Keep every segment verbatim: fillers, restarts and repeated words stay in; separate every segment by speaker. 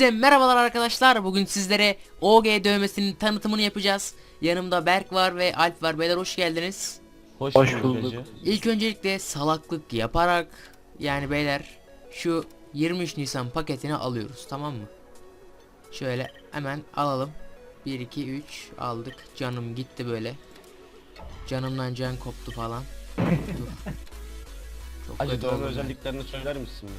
Speaker 1: Hepinize merhabalar arkadaşlar. Bugün sizlere O G dövmesinin tanıtımını yapacağız. Yanımda Berk var ve Alp var. Beyler hoş geldiniz.
Speaker 2: Hoş,
Speaker 3: Hoş
Speaker 2: bulduk.
Speaker 3: bulduk.
Speaker 1: İlk öncelikle salaklık yaparak yani beyler şu yirmi üç Nisan paketini alıyoruz, tamam mı? Şöyle hemen alalım. bir iki üç aldık. Canım gitti böyle. Canımdan can koptu falan. Dur. Çok
Speaker 2: Acı
Speaker 1: kötü
Speaker 2: dövme
Speaker 1: oldu.
Speaker 2: özelliklerini söyler misin?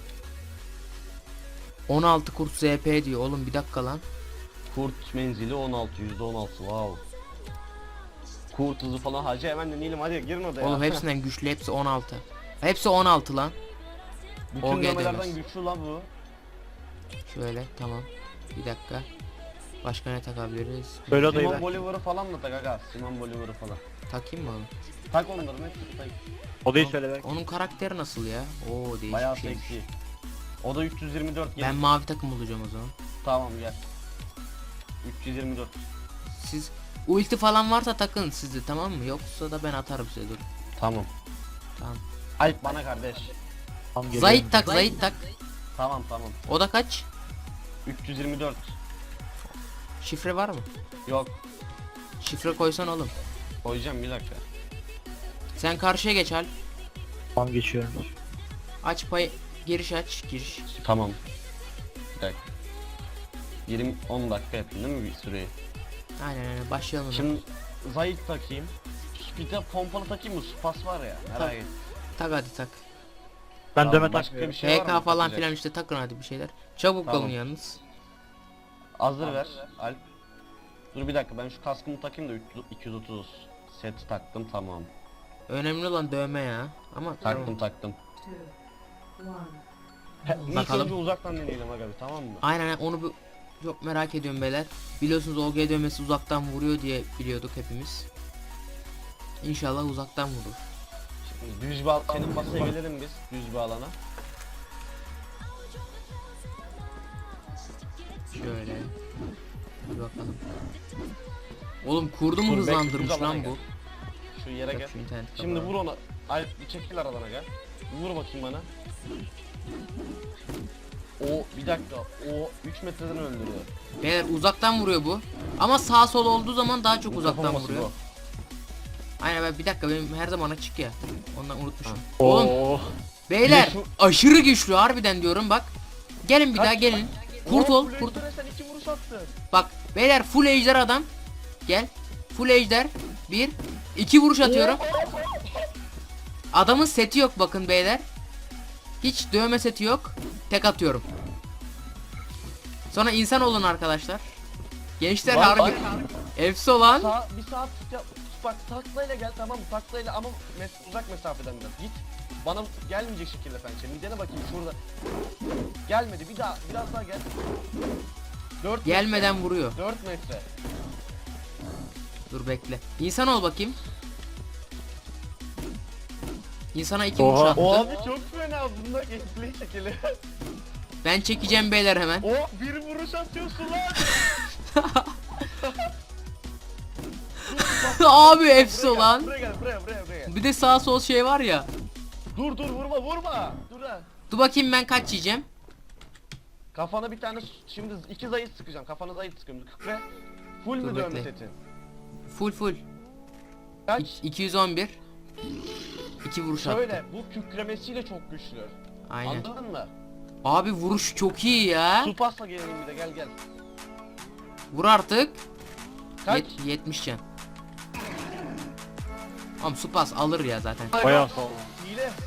Speaker 1: on altı kurt Z P diyor oğlum, bir dakika lan.
Speaker 2: Kurt menzili on altı, yüzde on altı, wow. Kurt hızı falan, hacı hemen deneyelim, hadi girin odaya.
Speaker 1: Oğlum hepsinden güçlü, hepsi on altı. Hepsi on altı lan.
Speaker 2: Bütün
Speaker 1: O G
Speaker 2: dövmelerden
Speaker 1: dövmesi.
Speaker 2: güçlü lan bu.
Speaker 1: Şöyle tamam. Bir dakika. Başka ne takabiliriz?
Speaker 3: Böyle odayı
Speaker 2: Simon
Speaker 3: ver.
Speaker 2: Bolivar'ı falan da tak aga, Simon Bolivar'ı falan.
Speaker 1: Takayım mı onu?
Speaker 2: Tak onların hepsini tak.
Speaker 3: Odayı söyle ver.
Speaker 1: Onun karakteri nasıl ya? Oo, değişik
Speaker 2: Bayağı
Speaker 1: bir şey.
Speaker 2: seksi. O da üç yüz yirmi dört gel.
Speaker 1: Ben mavi takım olacağım o zaman.
Speaker 2: Tamam gel. üç yüz yirmi dört.
Speaker 1: Siz ulti falan varsa takın sizde, tamam mı? Yoksa da ben atarım size, dur.
Speaker 2: Tamam.
Speaker 1: Tamam.
Speaker 2: Alp bana kardeş.
Speaker 3: Tam geliyorum.
Speaker 1: Zayit tak, Zayit tak.
Speaker 2: Tamam tamam.
Speaker 1: O da kaç?
Speaker 2: üç yüz yirmi dört.
Speaker 1: Şifre var mı?
Speaker 2: Yok.
Speaker 1: Şifre koysan oğlum.
Speaker 2: Koyacağım bir dakika.
Speaker 1: Sen karşıya geç Alp.
Speaker 3: Tam geçiyorum.
Speaker 1: Aç pay, giriş aç, giriş.
Speaker 2: Tamam. Bir dakika. yirmi on dakika yaptın değil mi bir süreyi?
Speaker 1: Aynen aynen, başlayalım.
Speaker 2: Şimdi Zayit takayım. Bir de pompalı takayım mı? Spas var ya. Merak
Speaker 1: Tak.
Speaker 2: et.
Speaker 1: Tak hadi tak.
Speaker 3: Ben
Speaker 2: Tamam,
Speaker 3: dövme
Speaker 2: başka
Speaker 3: takmıyorum.
Speaker 2: bir şey var
Speaker 1: H K
Speaker 2: mı
Speaker 1: falan
Speaker 2: takacak?
Speaker 1: filan işte takın hadi bir şeyler. Çabuk
Speaker 2: Tamam.
Speaker 1: olun yalnız.
Speaker 2: Hazır ver Alp. Dur bir dakika, ben şu kaskımı takayım da iki yüz otuz set taktım, tamam.
Speaker 1: Önemli olan dövme ya. Ama
Speaker 2: Taktım
Speaker 1: tamam.
Speaker 2: taktım. He, ilk
Speaker 1: Bakalım.
Speaker 2: önce uzaktan deneyelim aga bir, tamam mı?
Speaker 1: Aynen aynen, onu bir çok merak ediyorum beyler. Biliyorsunuz O G dövmesi uzaktan vuruyor diye biliyorduk hepimiz. İnşallah uzaktan vurur.
Speaker 2: Şimdi düz bir al- senin masaya gelelim biz, düz bir alana.
Speaker 1: Şöyle. Bir bakalım. Oğlum kurdu mu
Speaker 2: Dur, bekle,
Speaker 1: hızlandırmış
Speaker 2: düz alana
Speaker 1: lan
Speaker 2: gel.
Speaker 1: bu?
Speaker 2: Şu yere gel.
Speaker 1: Yok, şu internet
Speaker 2: Şimdi
Speaker 1: kapalı.
Speaker 2: vur ona. Alp bir çekil aradan aga. Vur bakayım bana. O bir dakika, o üç metreden öldürüyor.
Speaker 1: Beyler uzaktan vuruyor bu. Ama sağ sol olduğu zaman daha çok
Speaker 2: Bu
Speaker 1: uzaktan
Speaker 2: kafaması
Speaker 1: vuruyor.
Speaker 2: bu.
Speaker 1: Aynen, ben bir dakika, benim her zaman açık ya. Ondan unutmuşum.
Speaker 2: Ha.
Speaker 1: Oğlum
Speaker 3: Oo.
Speaker 1: beyler
Speaker 2: Bir de şu-
Speaker 1: aşırı güçlü harbiden diyorum bak. Gelin bir
Speaker 2: Kaç-
Speaker 1: daha gelin. Kurt
Speaker 2: Oo,
Speaker 1: ol,
Speaker 2: full
Speaker 1: kurt.
Speaker 2: ejderha, sen iki vuruş attın.
Speaker 1: Bak beyler, full ejder adam. Gel. Full ejder. Bir. iki vuruş atıyorum. Adamın seti yok bakın beyler. Hiç dövme seti yok. Tek atıyorum. Sonra insan olun arkadaşlar. Gençler
Speaker 2: Var,
Speaker 1: harbi.
Speaker 2: var.
Speaker 1: Efsi olan.
Speaker 2: Sağ, bir saat ya, bak taklayla gel, tamam mı? Taklayla ama mes uzak mesafeden biraz git. Bana gelmeyecek şekilde pençe. Midene bakayım şurada. Gelmedi. Bir daha, biraz daha gel. dört
Speaker 1: Gelmeden vuruyor.
Speaker 2: dört metre.
Speaker 1: Dur bekle. İnsan ol bakayım. İnsana iki vuruş
Speaker 3: Oha.
Speaker 1: attı.
Speaker 2: O abi çok fena, bunda gameplay şekili.
Speaker 1: Ben çekeceğim beyler hemen.
Speaker 2: O bir vuruş atıyorsun lan.
Speaker 1: Abi efsi
Speaker 2: Buraya gel,
Speaker 1: olan.
Speaker 2: Buraya gel, buraya, buraya, buraya. gel.
Speaker 1: Bir de sağ sol şey var ya.
Speaker 2: Dur dur, vurma vurma. Dur ha.
Speaker 1: Dur bakayım ben kaç yiyeceğim.
Speaker 2: Kafana bir tane, şimdi iki zayıf sıkacağım. Kafana zayıf sıkıyorum. Ve full
Speaker 1: Dur
Speaker 2: mü dövme
Speaker 1: bekle.
Speaker 2: setin?
Speaker 1: Full full.
Speaker 2: Kaç?
Speaker 1: İ- iki yüz on bir. iki vuruş attı.
Speaker 2: Şöyle, bu kükremesiyle çok güçlü.
Speaker 1: Aynen.
Speaker 2: Anladın mı?
Speaker 1: Abi vuruş çok iyi ya.
Speaker 2: Su pasla gelelim bir de, gel gel.
Speaker 1: Vur artık.
Speaker 2: Kaç?
Speaker 1: Yet- yetmiş can. Oğlum su pas alır ya zaten.
Speaker 3: Bayağı sağ ol.
Speaker 2: Hile. Of.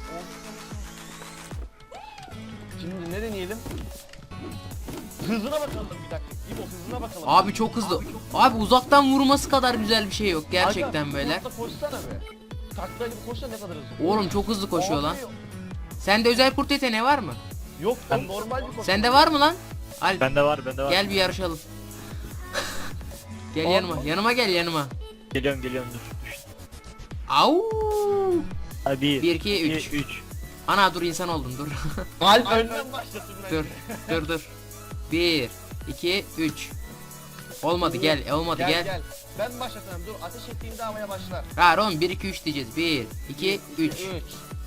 Speaker 2: Şimdi ne deneyelim? Hızına bakalım bir dakika. İbo, hızına bakalım.
Speaker 1: Abi çok hızlı. Abi uzaktan vurması kadar güzel bir şey yok gerçekten
Speaker 2: Aga,
Speaker 1: beyler.
Speaker 2: kurtla koşsana be. Taklayla bir koşsana, ne kadar hızlı.
Speaker 1: Oğlum çok hızlı koşuyor lan.
Speaker 2: Abi,
Speaker 1: Sende özel kurt yeteneği var mı?
Speaker 2: Yok, ben normal bir koşu.
Speaker 1: Sende var mı lan? Al
Speaker 3: Bende var, bende var.
Speaker 1: gel bir yarışalım. Gel
Speaker 2: Abi.
Speaker 1: yanıma. Yanıma gel yanıma.
Speaker 3: Geliyorum, geliyorum, dur. Düştüm.
Speaker 1: Au!
Speaker 3: Hadi bir,
Speaker 1: bir iki
Speaker 3: iki,
Speaker 1: üç.
Speaker 3: üç.
Speaker 1: Ana dur, insan oldum dur.
Speaker 2: Alp önden başlasın bence.
Speaker 1: dur. Dur dur. bir iki üç. Olmadı gel. e, Olmadı
Speaker 2: Gel,
Speaker 1: gel.
Speaker 2: gel. Ben başlatıyorum, dur. Ateş ettiğimde havaya başlar.
Speaker 1: Hayır oğlum, bir iki üç diyeceğiz. bir iki üç.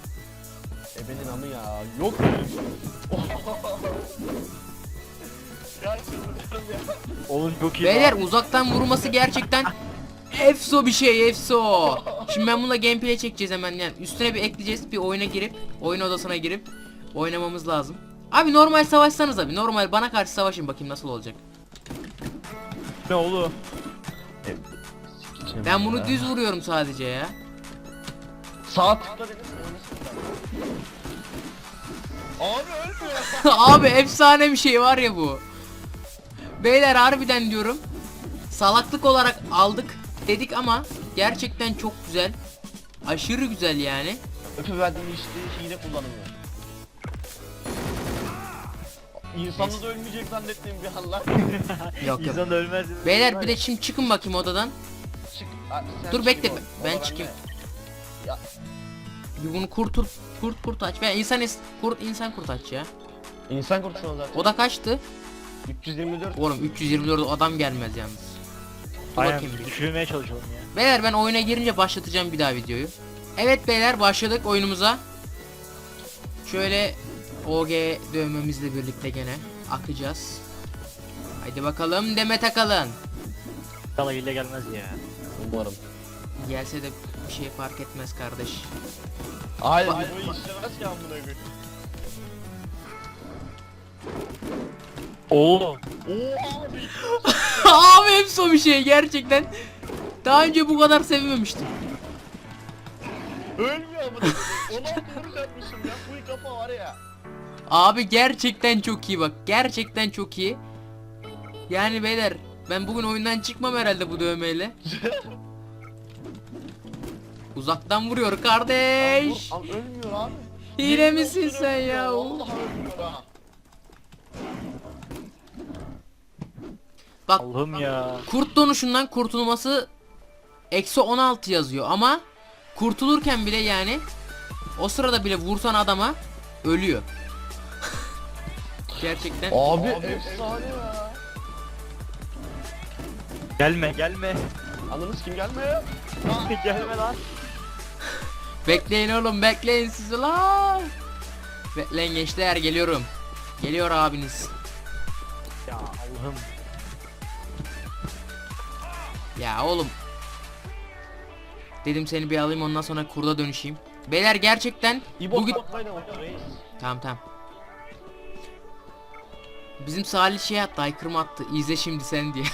Speaker 2: Ebenin amı ya. Yok böyle bir şey. Ya çıldırıyorum ya.
Speaker 3: Oğlum çok iyi.
Speaker 1: Beyler
Speaker 3: lan.
Speaker 1: uzaktan vurması gerçekten efso bir şey, efso. Şimdi ben bununla gameplay çekeceğiz hemen yani. Üstüne bir ekleyeceğiz, bir oyuna girip, oyun odasına girip oynamamız lazım. Abi normal savaşsanız abi, normal bana karşı savaşın bakayım nasıl olacak.
Speaker 3: Ne oğlum?
Speaker 1: Ben bunu düz vuruyorum sadece ya.
Speaker 2: Sağ tıkla dedim mi? Oynasın da. Abi ölmüyor.
Speaker 1: Abi efsane bir şey var ya bu. Beyler harbiden diyorum. Salaklık olarak aldık dedik ama gerçekten çok güzel. Aşırı güzel yani.
Speaker 2: Öpü verdiğim işte hile kullanılıyor. İnsanda da ölmeyecek zannettiğim bir an lan.
Speaker 1: Yok yok.
Speaker 3: İnsan da ölmez.
Speaker 1: Beyler bir de şimdi çıkın bakayım odadan.
Speaker 2: Çık. Aa, sen
Speaker 1: Dur
Speaker 2: çık
Speaker 1: bekle,
Speaker 2: oğlum.
Speaker 1: ben
Speaker 2: Odadan
Speaker 1: çıkayım.
Speaker 2: ne? Ya
Speaker 1: Bir bunu kurtult, kurt kurt aç. Ben insan is- kurt insan kurt aç ya.
Speaker 2: insan kurtulsun zaten.
Speaker 1: Oda kaçtı?
Speaker 2: üç yüz yirmi dört.
Speaker 1: Oğlum üç yüz yirmi dört adam gelmez yalnız. Dur
Speaker 3: Aynen
Speaker 1: bakayım bir.
Speaker 3: düşürmeye çalışalım ya.
Speaker 1: Beyler ben oyuna girince başlatacağım bir daha videoyu. Evet beyler başladık oyunumuza. Şöyle O G dövmemizle birlikte gene akacağız. Haydi bakalım Demet Akalın.
Speaker 3: Kala hile gelmez ya.
Speaker 2: Umarım.
Speaker 1: Gelse de bir şey fark etmez kardeş.
Speaker 2: Hayır
Speaker 1: Bak-
Speaker 2: bu işlemez ki amına koyayım.
Speaker 3: Oğlum.
Speaker 2: Oha abi.
Speaker 1: Abi hepsi o bir şey gerçekten. Daha önce bu kadar sevmemiştim.
Speaker 2: Ölmüyor amına koyayım. on altı vuruş atmışım ya. Bu kafa var ya.
Speaker 1: Abi gerçekten çok iyi bak. Gerçekten çok iyi. Yani beyler ben bugün oyundan çıkmam herhalde bu dövmeyle. Uzaktan vuruyor kardeş.
Speaker 2: Abi, ölmüyor abi.
Speaker 1: Hile
Speaker 2: Yemin
Speaker 1: misin
Speaker 2: olsun
Speaker 1: sen
Speaker 2: ölmüyor.
Speaker 1: ya?
Speaker 2: Vallahi ölmüyor ha.
Speaker 1: Bak
Speaker 3: Allah'ım ya.
Speaker 1: kurt donuşundan kurtulması eksi on altı yazıyor ama kurtulurken bile yani o sırada bile vursan adama ölüyor. Gerçekten.
Speaker 2: Abi, efsane ya.
Speaker 3: Gelme gelme.
Speaker 2: Anladınız kim gelmiyor?
Speaker 3: Gelme lan.
Speaker 1: Bekleyin oğlum bekleyin siz lan. Bekleyin gençler geliyorum. Geliyor abiniz.
Speaker 3: Ya Allah'ım.
Speaker 1: Ya oğlum. Dedim seni bir alayım ondan sonra kurda dönüşeyim. Beyler gerçekten
Speaker 2: İbo
Speaker 1: bugün...
Speaker 2: botlayla oynuyor reis.
Speaker 1: Tamam tamam. Bizim Salih şey attı, aykırma attı. İzle şimdi sen diye.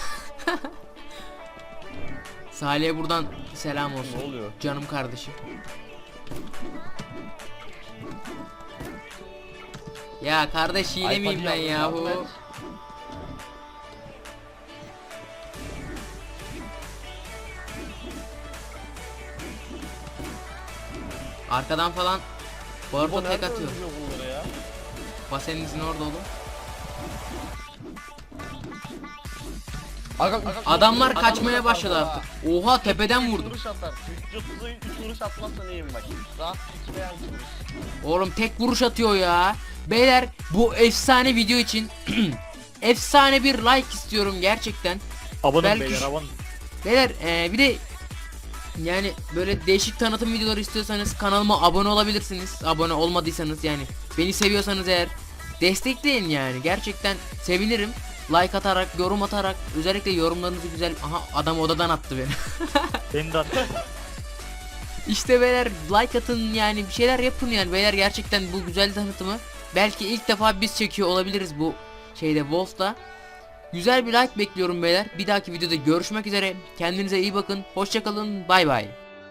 Speaker 1: Salih'e buradan selam olsun.
Speaker 2: Ne oluyor?
Speaker 1: Canım kardeşim. Ya kardeş hile
Speaker 2: Ay,
Speaker 1: miyim
Speaker 2: hadi
Speaker 1: ben
Speaker 2: yavrum,
Speaker 1: yahu?
Speaker 2: yardım et.
Speaker 1: Arkadan falan
Speaker 2: İbo
Speaker 1: Barto tek
Speaker 2: nerede
Speaker 1: atıyor.
Speaker 2: öldürüyor bunları ya?
Speaker 1: Baseninizin orada oğlum.
Speaker 2: Aga, aga,
Speaker 1: Adamlar
Speaker 2: adamlar
Speaker 1: kaçmaya
Speaker 2: atar
Speaker 1: başladı
Speaker 2: baba.
Speaker 1: artık. Oha tepeden
Speaker 2: üç
Speaker 1: vurdum.
Speaker 2: vuruş atar. üç otuza üç vuruş atmazsa neyim bak. Rahat iki veya üç vuruş.
Speaker 1: Oğlum tek vuruş atıyor ya. Beyler bu efsane video için efsane bir like istiyorum gerçekten.
Speaker 3: Abonum
Speaker 1: Belki
Speaker 3: beyler
Speaker 1: şu-
Speaker 3: abonum.
Speaker 1: Beyler eee, bir de yani böyle değişik tanıtım videoları istiyorsanız kanalıma abone olabilirsiniz. Abone olmadıysanız yani beni seviyorsanız eğer destekleyin yani gerçekten sevinirim. Like atarak, yorum atarak, özellikle yorumlarınızı güzel. Aha adam odadan attı beni.
Speaker 3: Beni de at.
Speaker 1: İşte beyler like atın yani bir şeyler yapın yani beyler gerçekten bu güzel tanıtımı belki ilk defa biz çekiyor olabiliriz bu şeyde Wolf'ta. Güzel bir like bekliyorum beyler. Bir dahaki videoda görüşmek üzere. Kendinize iyi bakın. Hoşça kalın. Bay bay.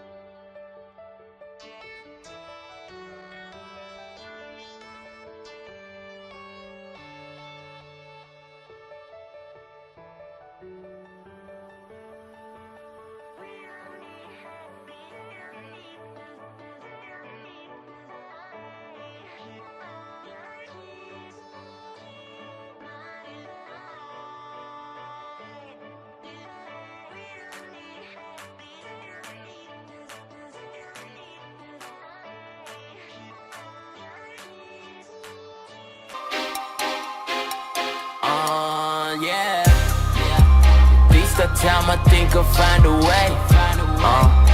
Speaker 4: Uh, yeah. Beast of time, I think I'll find a way. Uh,